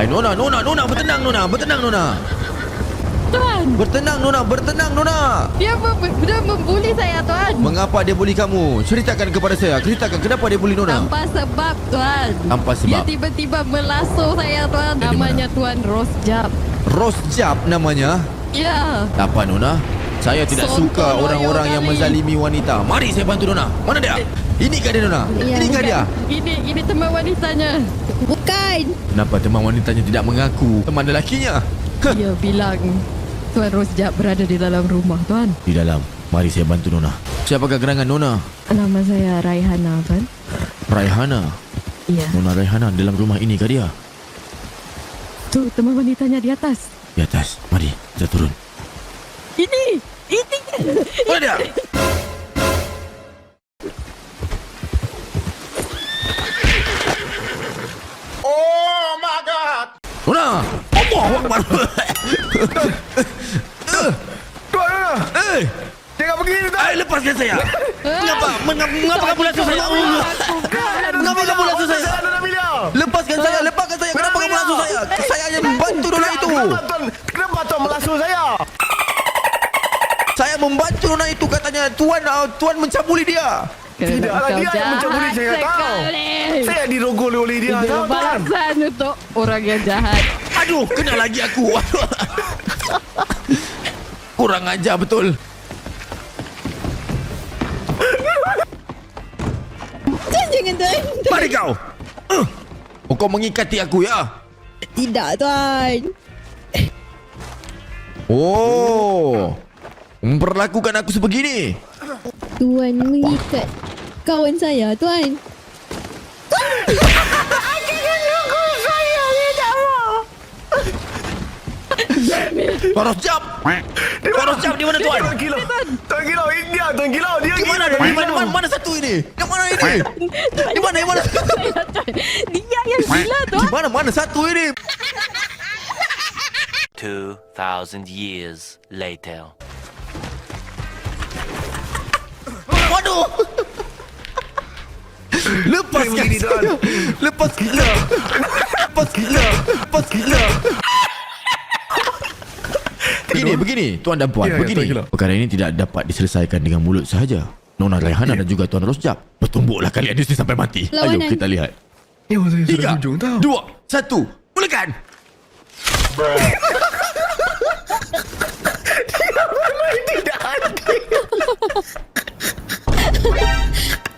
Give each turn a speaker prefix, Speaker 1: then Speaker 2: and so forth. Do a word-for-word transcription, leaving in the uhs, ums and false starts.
Speaker 1: Hai Nona, Nona, Nona, bertenang Nona, bertenang Nona.
Speaker 2: Tuan,
Speaker 1: Bertenang Nona, bertenang Nona.
Speaker 2: dia, mem dia membuli saya, Tuan.
Speaker 1: Mengapa dia bully kamu? Ceritakan kepada saya. Ceritakan kenapa dia bully Nona.
Speaker 2: Tanpa sebab, Tuan.
Speaker 1: Tanpa
Speaker 2: Dia
Speaker 1: sebab.
Speaker 2: tiba-tiba melasuh saya, Tuan.
Speaker 1: Dari
Speaker 2: Namanya Tuan Rosjab.
Speaker 1: Rosjab namanya.
Speaker 2: Ya.
Speaker 1: Apa Nona? Saya tidak
Speaker 2: Sonton
Speaker 1: suka orang-orang
Speaker 2: loyo
Speaker 1: yang
Speaker 2: kali.
Speaker 1: menzalimi wanita. Mari saya bantu Nona. Mana dia? Ini kah dia Nona?
Speaker 2: Ya,
Speaker 1: Ini kah
Speaker 2: bukan.
Speaker 1: dia?
Speaker 2: Ini, ini teman wanitanya.
Speaker 3: Bukan.
Speaker 1: Kenapa teman wanitanya tidak mengaku teman lelakinya? Heh.
Speaker 2: Dia bilang Tuan Rosjab berada di dalam rumah, Tuan.
Speaker 1: Di dalam. Mari saya bantu Nona. Siapakah gerangan Nona?
Speaker 2: Nama saya Raihana, Tuan.
Speaker 1: Raihana.
Speaker 2: Iya.
Speaker 1: Nona Raihana dalam rumah ini kah dia?
Speaker 2: Tu teman wanitanya di atas.
Speaker 1: Di atas. Mari kita turun.
Speaker 2: Ini, ini.
Speaker 1: Mana dia?
Speaker 4: Oh my God!
Speaker 1: Nona! Allah Akbar.
Speaker 4: Tuan, Nona!
Speaker 1: Eh,
Speaker 4: Jangan pergi ni, Tuan!
Speaker 1: ay, lepaskan saya. Mengapa? Mengapa, mengapa kamu langsung saya? Mengapa kamu langsung saya?
Speaker 4: Nona Amelia!
Speaker 1: Lepaskan saya, lepaskan saya. Kenapa kamu langsung saya? Saya hanya membantu Nona itu.
Speaker 4: Kenapa Tuan? Kenapa Tuan melasuh saya?
Speaker 1: Saya membantu Nona itu katanya Tuan uh, Tuan mencabuli dia.
Speaker 4: Tidaklah,
Speaker 2: Kau
Speaker 4: dia yang mencabuli saya,
Speaker 2: jahat
Speaker 4: tahu.
Speaker 2: sekali.
Speaker 4: Saya dirogol oleh dia,
Speaker 2: Itu
Speaker 4: tahu, Tuan?
Speaker 2: balasan untuk orang yang jahat.
Speaker 1: Aduh, kena lagi aku. Aduh. Kurang ajar betul.
Speaker 3: Tuan jangan Tuan.
Speaker 1: Mari kau. Uh. Oh, kau mengikati aku ya?
Speaker 3: Tidak Tuan.
Speaker 1: Oh. Memperlakukan aku sebegini.
Speaker 3: Tuan mengikat kawan saya Tuan.
Speaker 1: Tuan Rosjab. Tuan Rosjab di mana Tuan?
Speaker 4: Tuan Kilau! Tuan Kilau, ini dia! Tuan Kilau, dia
Speaker 1: Di mana?
Speaker 4: gila,
Speaker 1: Di mana? Mana, mana satu ini? Yang mana ini? Di mana? Di mana?
Speaker 2: Dia yang gila,
Speaker 1: Di
Speaker 2: Tuan.
Speaker 1: mana? Mana satu ini?
Speaker 5: Two thousand years later.
Speaker 1: Waduh. Lepaskan
Speaker 4: Begini, Tuan.
Speaker 1: saya. Lepas gila. Lepas gila. Lepas gila. Begini, begini, Tuan dan Puan,
Speaker 4: Ya, ya,
Speaker 1: begini.
Speaker 4: Tuan Gila.
Speaker 1: Perkara ini tidak dapat diselesaikan dengan mulut sahaja. Nona Raihana dan juga Tuan Rosjab. Bertumbuklah kalian di sini sampai mati. Ayo
Speaker 3: Lawanan.
Speaker 1: kita lihat.
Speaker 4: Ya, saya sudah
Speaker 1: Tiga,
Speaker 4: hujung, tahu.
Speaker 1: dua, satu, mulakan.
Speaker 4: Tidak ada.